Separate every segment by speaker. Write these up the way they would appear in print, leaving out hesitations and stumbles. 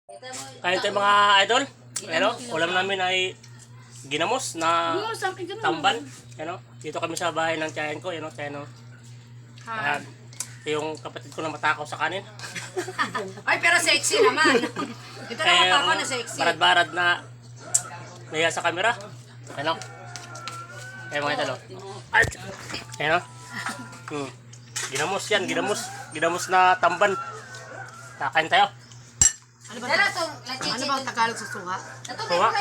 Speaker 1: Kaya tayo mga idol. Ano, ulam namin ay ginamos na tamban. Ano, dito kami sa bahay ng tiyahin ko, tiyahin. Ayan, yung kapatid ko na matakaw sa kanin.
Speaker 2: Ay, pero sexy naman. Ito na matakaw na sexy.
Speaker 1: Barad-barad na naya sa camera. Ano? Ayan mga idol. Ano? Ginamos yan, ginamos na tamban. Kakain tayo.
Speaker 2: Ano bang Tagalog sa suha?
Speaker 1: Suha?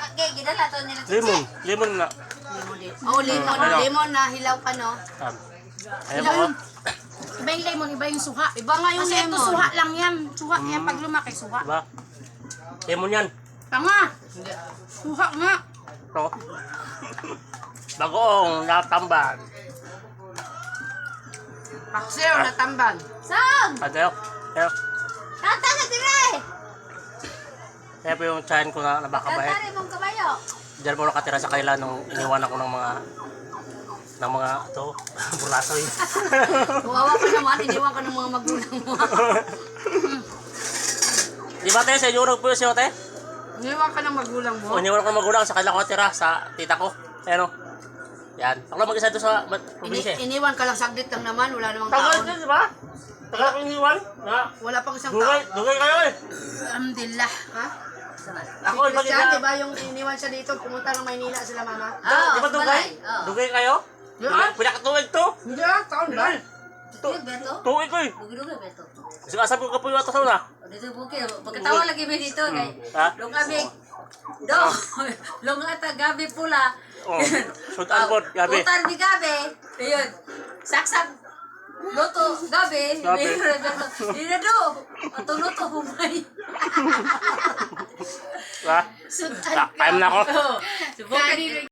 Speaker 1: Lemon na.
Speaker 2: Oh, lemon na hilaw pa, no?
Speaker 1: Ayan po.
Speaker 3: Iba yung lemon, iba yung suha.
Speaker 2: Iba nga yung
Speaker 3: Kasi
Speaker 2: lemon.
Speaker 3: ito suha lang yan. Suha yan pag lumaki, suha.
Speaker 1: Diba? Lemon yan.
Speaker 3: Tanga! Suha nga.
Speaker 1: Ito. Bagoong natamban.
Speaker 2: Paksiw na tamban.
Speaker 4: Sam!
Speaker 1: Tayo. Tayo.
Speaker 4: Kanta na dire!
Speaker 1: Kaya po yung tiyahin ko na nabakabait.
Speaker 4: Kanta rin mong kabayo.
Speaker 1: Diyan po nakatira sa kanila nung iniwan ako ng mga burasoy.
Speaker 2: Kawawa ka naman, iniwan ka ng mga magulang mo.
Speaker 1: Di ba tayo sa inyo po siya tayo?
Speaker 2: Iniwan ka ng magulang mo?
Speaker 1: O iniwan ko ng magulang sa kanila ko natira sa tita ko. Ayan o. Yan. Ako lang mag-isa doon sa probinsya.
Speaker 2: Iniwan ka lang saglit lang naman, wala namang
Speaker 1: Tagal
Speaker 2: taon.
Speaker 1: din, di ba? Tagal ko iniwan.
Speaker 2: Wala pang isang
Speaker 1: Dugay,
Speaker 2: taon.
Speaker 1: dugay kayo eh.
Speaker 3: Alhamdulillah.
Speaker 2: Ha?
Speaker 1: Ako,
Speaker 2: Si
Speaker 1: ibang
Speaker 2: Christian, di ba yung iniwan siya dito, pumunta ng Maynila sila mama?
Speaker 1: Di ba dugay? Dugay kayo?
Speaker 2: Yan?
Speaker 1: Pinakatuwig to.
Speaker 2: Hindi ah, taon ba?
Speaker 4: Beto?
Speaker 1: Tuwig ko eh.
Speaker 4: Dugi-dugi, Beto.
Speaker 1: Kasi asabi ko kapo yung atas na.
Speaker 4: Dito bukid. Pagkatawa lagi mo dito. Kay,
Speaker 1: Ha?
Speaker 4: Long kami. Long ata gabi pula.
Speaker 1: Oh, shoot and board, gabi.
Speaker 4: Utar ni gabi. Ayun. Saksak. Luto, gabi.
Speaker 1: Gabi.
Speaker 4: Hindi do. Ato luto, humay.
Speaker 1: Ha? Time na ako.
Speaker 4: Subukan.